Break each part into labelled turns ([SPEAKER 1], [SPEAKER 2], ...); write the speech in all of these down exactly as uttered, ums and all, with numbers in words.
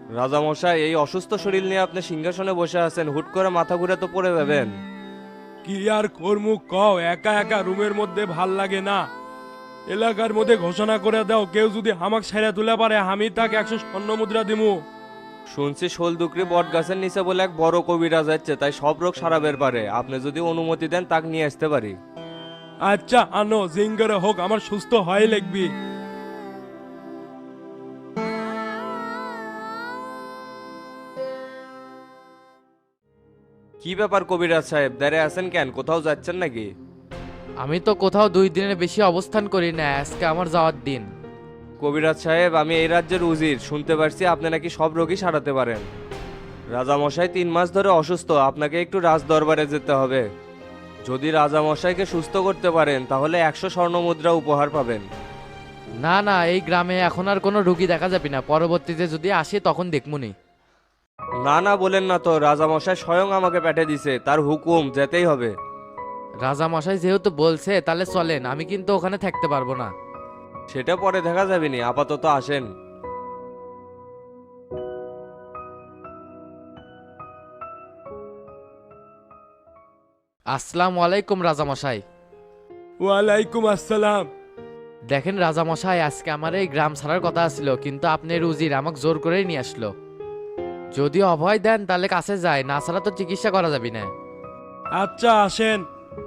[SPEAKER 1] রাজামশাই, এই অসুস্থ শরীর নিয়ে আপনি সিংহাসনে বসে আছেন, হুট করে মাথা ঘুরে তো পড়ে যাবেন।
[SPEAKER 2] কি আর করমু কও, একা একা রুমের মধ্যে ভাল লাগে না। এলাকার মধ্যে ঘোষণা করে দাও, কেউ যদি হামাক ছেড়ে তুলে পারে আমি তাকে একশো স্বর্ণ মুদ্রা দিমু।
[SPEAKER 1] শুনছি শোলদুকরি বট গাছের নিচে বলে এক বড় কবিরাজ যাচ্ছে, তাই সব রোগ সারাবের পারে। আপনি যদি অনুমতি দেন তাকে নিয়ে আসতে পারি।
[SPEAKER 2] আচ্ছা আনো, জিঙ্গারে হোক, আমার সুস্থ হয় লিখবি।
[SPEAKER 1] কি ব্যাপার কবিরাজ সাহেব, দাঁড়িয়ে আছেন কেন? কোথাও যাচ্ছেন নাকি?
[SPEAKER 3] আমি তো কোথাও দুই দিনের বেশি অবস্থান করি না, আজকে আমার যাওয়ার দিন।
[SPEAKER 1] কবিরাজ সাহেব, আমি এই রাজ্যের উজির, শুনতে পারছি আপনি নাকি সব রোগী সারাতে পারেন। রাজামশাই তিন মাস ধরে অসুস্থ, আপনাকে একটু রাজ দরবারে যেতে হবে। যদি রাজামশাইকে সুস্থ করতে পারেন তাহলে একশো স্বর্ণ মুদ্রা উপহার পাবেন।
[SPEAKER 3] না না, এই গ্রামে এখন আর কোনো রুগী দেখা যাবে না, পরবর্তীতে যদি আসে তখন দেখমুনি।
[SPEAKER 1] না না বলেন না তো, রাজামশাই স্বয়ং আমাকে পাঠিয়ে দিছে, তার হুকুম, যেতেই হবে।
[SPEAKER 3] রাজা মশাই যেহেতু বলছে তাহলে চলেন, আমি কিন্তু ওখানে থাকতে পারবো না।
[SPEAKER 1] সেটা পরে দেখা যাবে নি, আপাতত আসেন।
[SPEAKER 3] আসসালামু আলাইকুম রাজা মশাই।
[SPEAKER 2] ওয়ালাইকুম আসসালাম।
[SPEAKER 3] দেখেন রাজা মশাই, আজকে আমার এই গ্রাম ছাড়ার কথা ছিল, কিন্তু আপনি রুজির আমাকে জোর করেই নিয়ে আসলো। যদি অভয় দেন তাহলে কাছে যায়, না ছাড়া তো চিকিৎসা করা যাবে না।
[SPEAKER 2] আচ্ছা আসেন।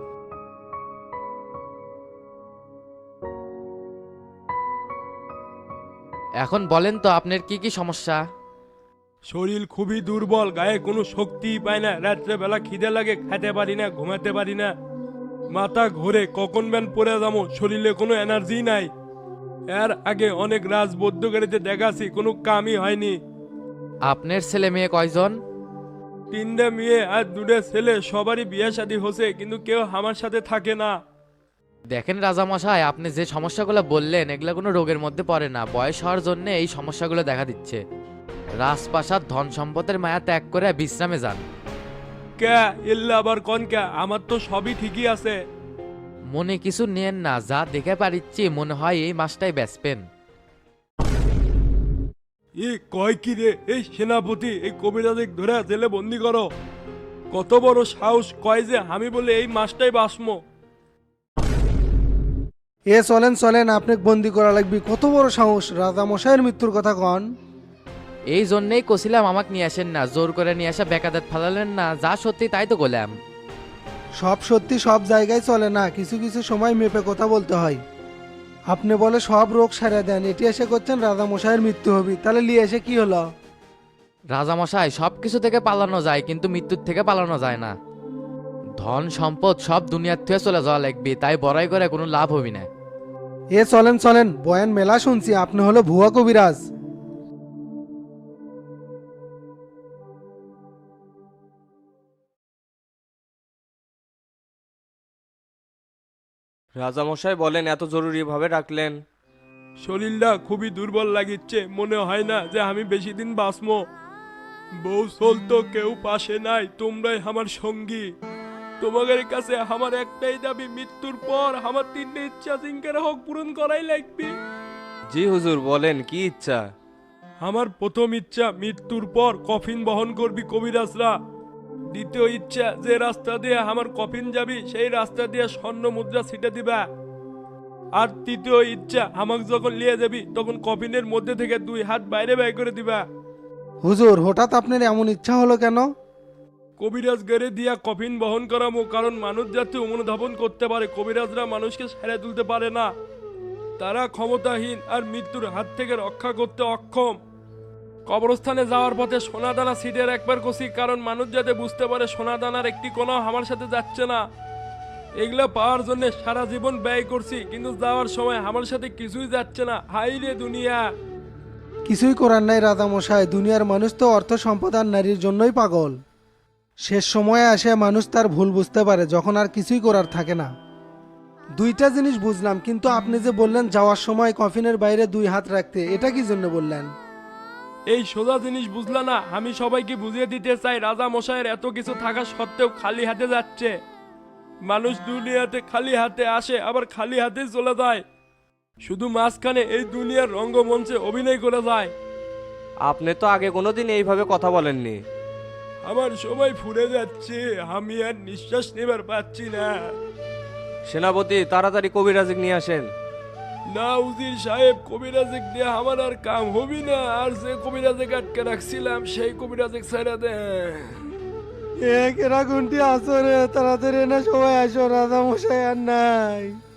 [SPEAKER 3] এখন বলেন তো আপনার কি কি সমস্যা?
[SPEAKER 2] শরীর খুবই দুর্বল, গায়ে কোনো শক্তিই পায় না, রাত্রে বেলা খিদে লাগে, খেতে পারি না, ঘুমাতে পারি না, মাথা ঘুরে, কখন ব্যান পড়ে যাবো, শরীরে কোনো এনার্জি নাই। এর আগে অনেক রাজ বৌদ্ধগাড়িতে দেখাছি, কোনো কামই হয়নি।
[SPEAKER 3] আপনার ছেলে মেয়ে কয়জন?
[SPEAKER 2] তিনটে মেয়ে আর দুটো ছেলে, সবারই বিয়ে শাদী হচ্ছে, কিন্তু কেউ আমার সাথে থাকে না।
[SPEAKER 3] দেখেন রাজামশাই, আপনি যে সমস্যাগুলো বললেন এগুলো কোনো রোগের মধ্যে পড়ে না, বয়স হওয়ার জন্য এই সমস্যাগুলো দেখা দিচ্ছে। রাজপ্রাসাদ ধন সম্পদের মায়া ত্যাগ করে বিশ্রামে যান।
[SPEAKER 2] কে ইল্লা আবার কন কে, আমার তো সবই ঠিকই আছে।
[SPEAKER 3] মনে কিছু নেন না, যা দেখে পারিচ্ছি মনে হয় এই মাসটাই বেচবেন।
[SPEAKER 2] এ কয় কি রে, এই সেনাপতি এই কবিরাজে ধরে জেলে বন্দি করো। কত বড় সাহস, কয় যে আমি বলে এই মাসটাই বাসমো।
[SPEAKER 4] এ চলেন চলেন, আপনাকে বন্দি করা লাগবে, কত বড় সাহস, রাজা মশাইয়ের মৃত্যুর কথা কন।
[SPEAKER 3] এই জন্যেই কছিলাম আমাকে নিয়ে আসেন না, জোর করে নিয়ে আসা বেকাদাত ফালালেন না, যা সত্যি তাই তো বললাম।
[SPEAKER 4] সব সত্যি সব জায়গায় চলে না, কিছু কিছু সময় মেপে কথা বলতে হয়। আপনি বলে সব রোগ সারা দেন, এটি এসে করছেন রাজা মশাইয়ের মৃত্যু হবে, তাহলে লিয়ে এসে কি হলো?
[SPEAKER 3] রাজামশাই, সব কিছু থেকে পালানো যায় কিন্তু মৃত্যুর থেকে পালানো যায় না। ধন সম্পদ সব দুনিয়ার থেকে চলে যাওয়া লাগবে, তাই বড়াই করে কোনো লাভ হবি না।
[SPEAKER 4] এ চলেন চলেন, বয়ান মেলা শুনছি, আপনি হলো ভুয়া কবিরাজ।
[SPEAKER 1] রাজামশাই বলেন, এত জরুরি ভাবে ডাকলেন?
[SPEAKER 2] শরীরটা খুবই দুর্বল লাগিচ্ছে, মনে হয় না যে আমি বেশি দিন বাঁচবো। বউ চলতো, কেউ পাশে নাই, তোমরাই আমার সঙ্গী। তোমাদের কাছে আমার একটাই দাবি, মৃত্যুর পর আমার তিনটে ইচ্ছা জিঙ্কের হোক পূরণ করাই লাগবে।
[SPEAKER 1] জি হুজুর, বলেন কি ইচ্ছা?
[SPEAKER 2] আমার প্রথম ইচ্ছা, মৃত্যুর পর কফিন বহন করবি কবিরাজরা। দ্বিতীয় ইচ্ছা, যে রাস্তা দিয়ে আমার কফিন যাবি সেই রাস্তা দিয়ে স্বর্ণ মুদ্রা ছিটে দিবা। আর তৃতীয় ইচ্ছা, আমাকে যখন নিয়ে যাবি তখন কফিনের মধ্যে থেকে দুই হাত বাইরে বের করে দিবা।
[SPEAKER 4] হুজুর, হঠাৎ আপনার এমন ইচ্ছা হলো কেন?
[SPEAKER 2] কবিরাজ গেড়ে দিয়া কফিন বহন করামো, কারণ মানুষ যাতে অনুধাবন করতে পারে, কবিরাজরা মানুষকে সেরে তুলতে পারে না। তারা ক্ষমতাহীন আর মৃত্যুর হাত থেকে রক্ষা করতে অক্ষম। কবরস্থানে যাওয়ার পথে সোনাদানা সিটের একবার কষি, কারণ মানুষ যাতে বুঝতে পারে সোনাদানার একটি কোনো আমার সাথে যাচ্ছে না। এগুলো পাওয়ার জন্য সারা জীবন ব্যয় করছি, কিন্তু যাওয়ার সময় আমার সাথে কিছুই যাচ্ছে না। হাই রে দুনিয়া।
[SPEAKER 4] কিছুই করার নাই রাজা মশাই, দুনিয়ার মানুষ তো অর্থ সম্পদ আর নারীর জন্যই পাগল। শেষ সময়ে আসে মানুষ তার ভুল বুঝতে পারে, যখন আর কিছুই করার থাকে না। দুইটা জিনিস বুঝলাম, কিন্তু আপনি যে বললেন যাওয়ার সময় কফিনের বাইরে দুই হাত রাখতে, এটা কি জন্য বললেন?
[SPEAKER 2] এই সোজা জিনিস বুঝলা না? আমি সবাইকে বুঝিয়ে দিতে চাই, রাজা মশাইয়ের এত কিছু থাকা সত্ত্বেও খালি হাতে যাচ্ছে। মানুষ দুনিয়াতে খালি হাতে আসে, আবার খালি হাতে চলে যায়। শুধু মাঝখানে এই দুনিয়ার রঙ্গমঞ্চে অভিনয় করে যায়।
[SPEAKER 1] আপনি তো আগে কোনোদিন এইভাবে কথা বলেননি।
[SPEAKER 2] আমার সময় ফুরে যাচ্ছে, আমি আর নিঃশ্বাস নেবার পাচ্ছি না।
[SPEAKER 1] সেনাপতি তাড়াতাড়ি কবিরাজ নিয়ে আসেন।
[SPEAKER 2] না উজির সাহেব, কবিরাজে দিয়ে আমার আর কাম হবি না, আর যে কবিরাজে আটকে রাখছিলাম সেই কবিরাজে ছেড়ে দে।
[SPEAKER 4] এ কেরা গুনটি আসরে তাড়াতাড়ি না সবাই আসো, রাজা মশাই আর নাই।